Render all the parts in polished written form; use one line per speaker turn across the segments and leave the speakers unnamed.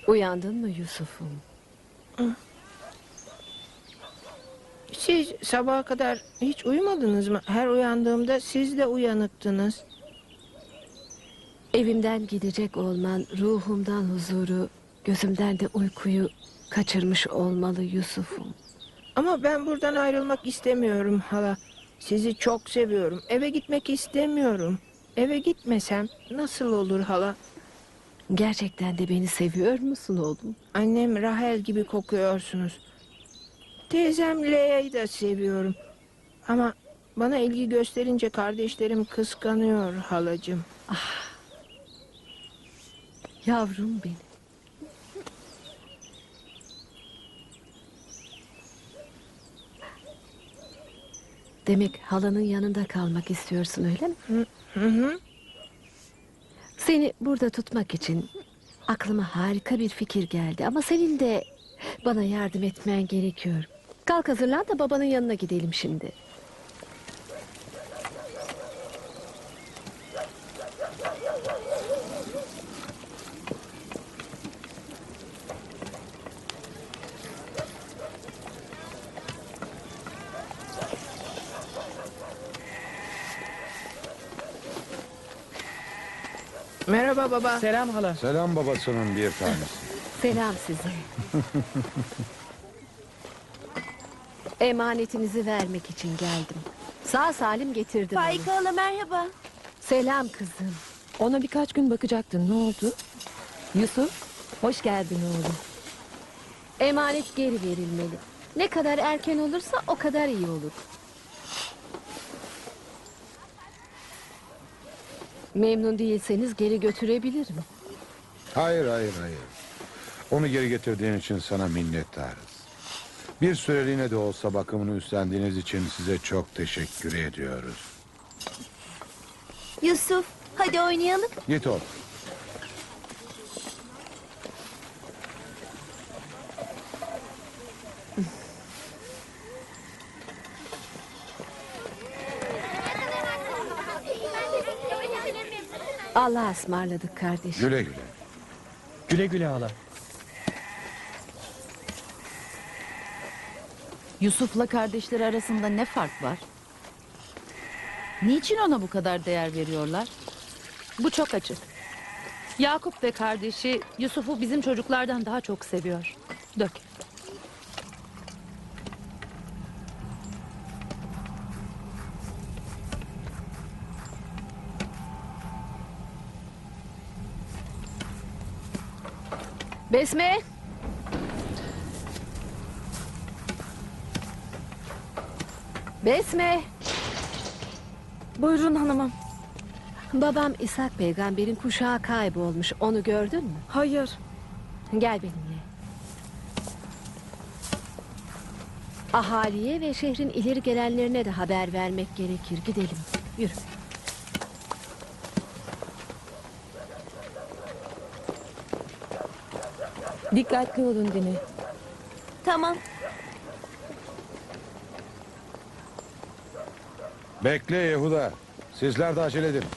Uyandın mı Yusuf'um?
Siz sabaha kadar hiç uyumadınız mı? Her uyandığımda siz de uyanıktınız.
Evimden gidecek olman ruhumdan huzuru, gözümden de uykuyu kaçırmış olmalı Yusuf'um.
Ama ben buradan ayrılmak istemiyorum hala. Sizi çok seviyorum. Eve gitmek istemiyorum. Eve gitmesem nasıl olur hala?
Gerçekten de beni seviyor musun oğlum?
Annem Rahel gibi kokuyorsunuz. Teyzem Lea'yı da seviyorum. Ama bana ilgi gösterince kardeşlerim kıskanıyor halacığım.
Yavrum benim. Demek halanın yanında kalmak istiyorsun öyle mi?
Hı.
Seni burada tutmak için aklıma harika bir fikir geldi. Ama senin de bana yardım etmen gerekiyor. Kalk hazırlan da babanın yanına gidelim şimdi.
Merhaba baba.
Selam hala.
Selam babasının bir tanesi.
Selam size. Emanetinizi vermek için geldim. Sağ salim getirdim onu.
Faika hala merhaba.
Selam kızım.
Ona birkaç gün bakacaktın. Ne oldu? Yusuf, hoş geldin oğlum.
Emanet geri verilmeli. Ne kadar erken olursa o kadar iyi olur. Memnun değilseniz geri götürebilirim.
Hayır. Onu geri getirdiğin için sana minnettarız. Bir süreliğine de olsa bakımını üstlendiğiniz için size çok teşekkür ediyoruz.
Yusuf, hadi oynayalım.
Git oğlum.
Allah'a ısmarladık kardeşim.
Güle güle.
Güle güle hala.
Yusuf'la kardeşleri arasında ne fark var? Niçin ona bu kadar değer veriyorlar?
Bu çok açık. Yakup ve kardeşi Yusuf'u bizim çocuklardan daha çok seviyor. Dök.
Besme. Besme.
Buyurun hanımım.
Babam İshak peygamberin kuşağı kaybolmuş. Onu gördün mü?
Hayır.
Gel benimle. Ahaliye ve şehrin ileri gelenlerine de haber vermek gerekir. Gidelim. Yürü.
Dikkatli olun Dini.
Tamam.
Bekle Yehuda. Sizler de acele edin.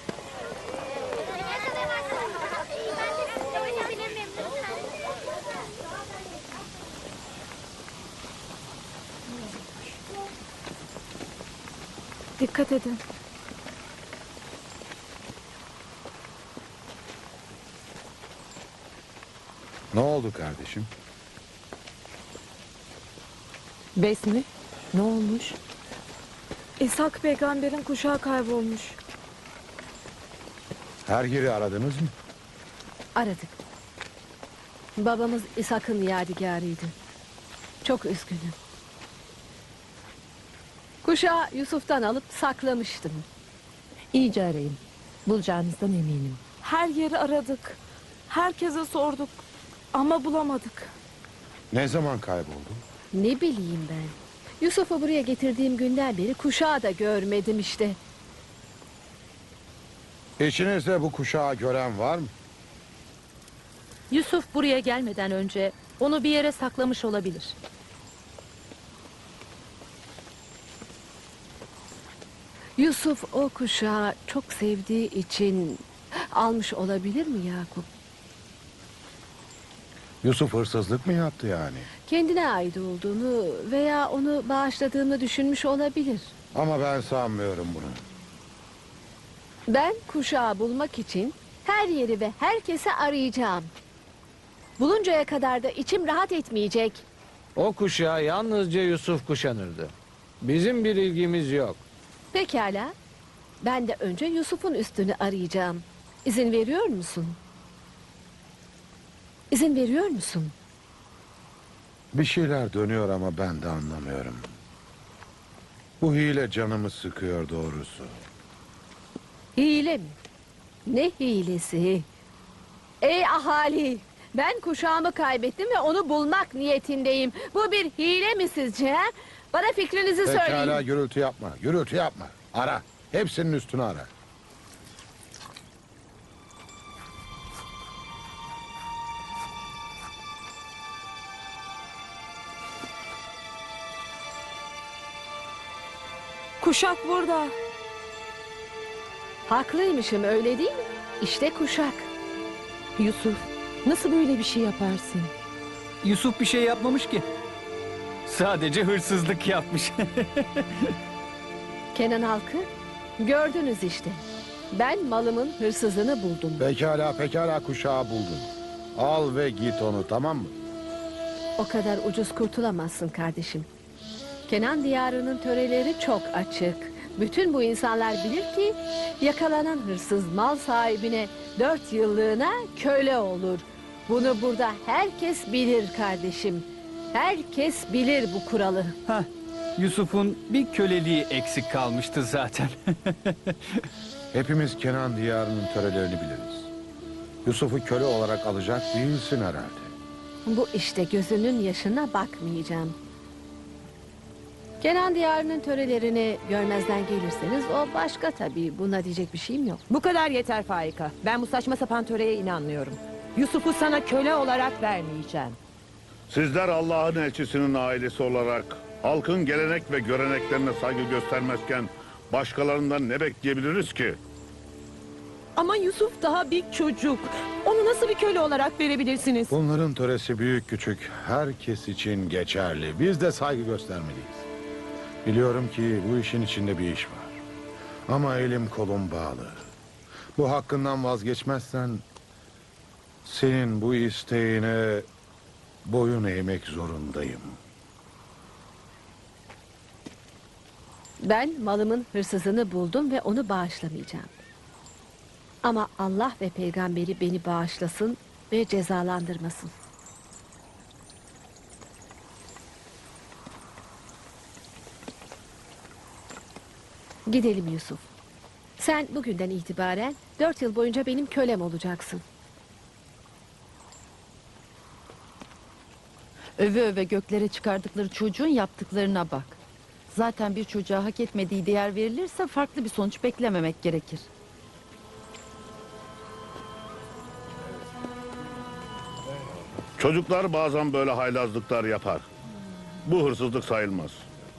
Dikkat edin.
Ne oldu kardeşim?
Besmi, ne olmuş?
İshak peygamberin kuşağı kaybolmuş.
Her yeri aradınız mı?
Aradık. Babamız İshak'ın yadigarıydı. Çok üzgünüm. Kuşağı Yusuf'tan alıp saklamıştım.
İyice arayın. Bulacağınızdan eminim.
Her yeri aradık. Herkese sorduk. Ama bulamadık.
Ne zaman kayboldu?
Ne bileyim ben. Yusuf'u buraya getirdiğim günden beri kuşağı da görmedim işte.
İçinizde bu kuşağı gören var mı?
Yusuf buraya gelmeden önce onu bir yere saklamış olabilir.
Yusuf o kuşağı çok sevdiği için almış olabilir mi Yakup?
Yusuf hırsızlık mı yaptı yani?
Kendine ait olduğunu veya onu bağışladığını düşünmüş olabilir.
Ama ben sanmıyorum bunu.
Ben kuşağı bulmak için her yeri ve herkesi arayacağım. Buluncaya kadar da içim rahat etmeyecek.
O kuşağı yalnızca Yusuf kuşanırdı. Bizim bir ilgimiz yok.
Pekala. Ben de önce Yusuf'un üstünü arayacağım. İzin veriyor musun? İzin veriyor musun?
Bir şeyler dönüyor ama ben de anlamıyorum. Bu hile canımı sıkıyor doğrusu.
Hile mi? Ne hilesi? Ey ahali! Ben kuşağımı kaybettim ve onu bulmak niyetindeyim. Bu bir hile mi sizce? He? Bana fikrinizi
Pekala,
söyleyin.
gürültü yapma, gürültü yapma. Ara, hepsinin üstünü ara.
Kuşak burada.
Haklıymışım öyle değil mi? İşte kuşak.
Yusuf, nasıl böyle bir şey yaparsın?
Yusuf bir şey yapmamış ki. Sadece hırsızlık yapmış.
Kenan halkı gördünüz işte. Ben malımın hırsızını buldum.
Pekala kuşağı buldun. Al ve git onu, tamam mı?
O kadar ucuz kurtulamazsın kardeşim. Kenan diyarının töreleri çok açık. Bütün bu insanlar bilir ki yakalanan hırsız mal sahibine 4 yıllığına köle olur. Bunu burada herkes bilir kardeşim. Herkes bilir bu kuralı.
Hah, Yusuf'un bir köleliği eksik kalmıştı zaten.
Hepimiz Kenan diyarının törelerini biliriz. Yusuf'u köle olarak alacak değilsin herhalde.
Bu işte gözünün yaşına bakmayacağım. Kenan diyarının törelerini görmezden gelirseniz o başka tabii. Buna diyecek bir şeyim yok.
Bu kadar yeter Faika. Ben bu saçma sapan töreye inanmıyorum. Yusuf'u sana köle olarak vermeyeceğim.
Sizler Allah'ın elçisinin ailesi olarak halkın gelenek ve göreneklerine saygı göstermezken başkalarından ne bekleyebiliriz ki?
Ama Yusuf daha bir çocuk. Onu nasıl bir köle olarak verebilirsiniz?
Bunların töresi büyük küçük herkes için geçerli. Biz de saygı göstermeliyiz. Biliyorum ki bu işin içinde bir iş var. Ama elim kolum bağlı. Bu hakkından vazgeçmezsen senin bu isteğine boyun eğmek zorundayım.
Ben malımın hırsızını buldum ve onu bağışlamayacağım. Ama Allah ve peygamberi beni bağışlasın ve cezalandırmasın. Gidelim Yusuf. Sen bugünden itibaren 4 yıl boyunca benim kölem olacaksın.
Öve öve göklere çıkardıkları çocuğun yaptıklarına bak. Zaten bir çocuğa hak etmediği değer verilirse farklı bir sonuç beklememek gerekir.
Çocuklar bazen böyle haylazlıklar yapar. Bu hırsızlık sayılmaz.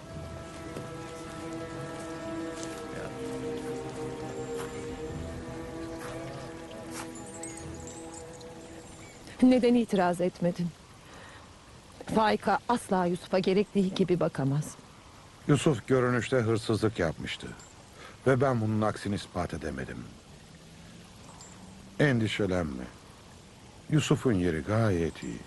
Neden itiraz etmedin? Faika asla Yusuf'a gerektiği gibi bakamaz.
Yusuf görünüşte hırsızlık yapmıştı. Ve ben bunun aksini ispat edemedim. Endişelenme. Yusuf'un yeri gayet iyi.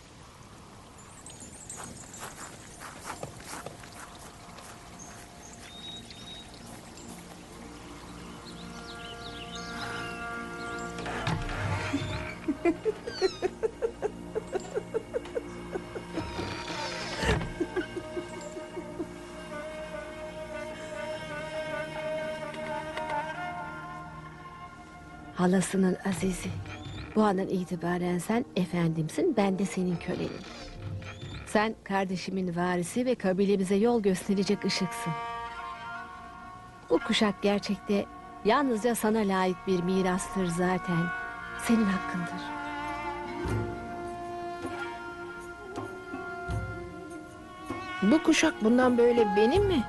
Halasının azizi. Bu andan itibaren sen efendimsin, ben de senin kölenim. Sen kardeşimin varisi ve kabilemize yol gösterecek ışıksın. Bu kuşak gerçekte yalnızca sana layık bir mirastır zaten. Senin hakkındır.
Bu kuşak bundan böyle benim mi?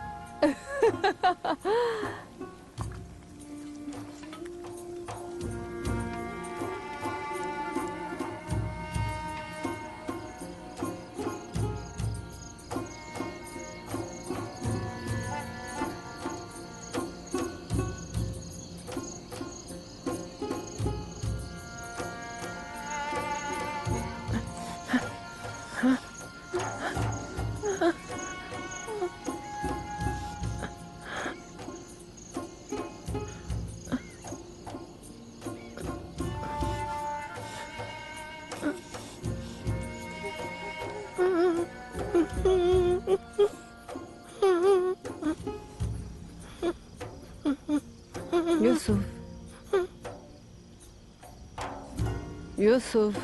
Yusuf. Yusuf.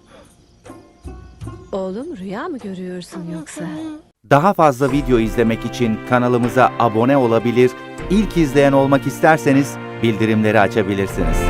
Oğlum rüya mı görüyorsun yoksa?
Daha fazla video izlemek için kanalımıza abone olabilir, ilk izleyen olmak isterseniz bildirimleri açabilirsiniz.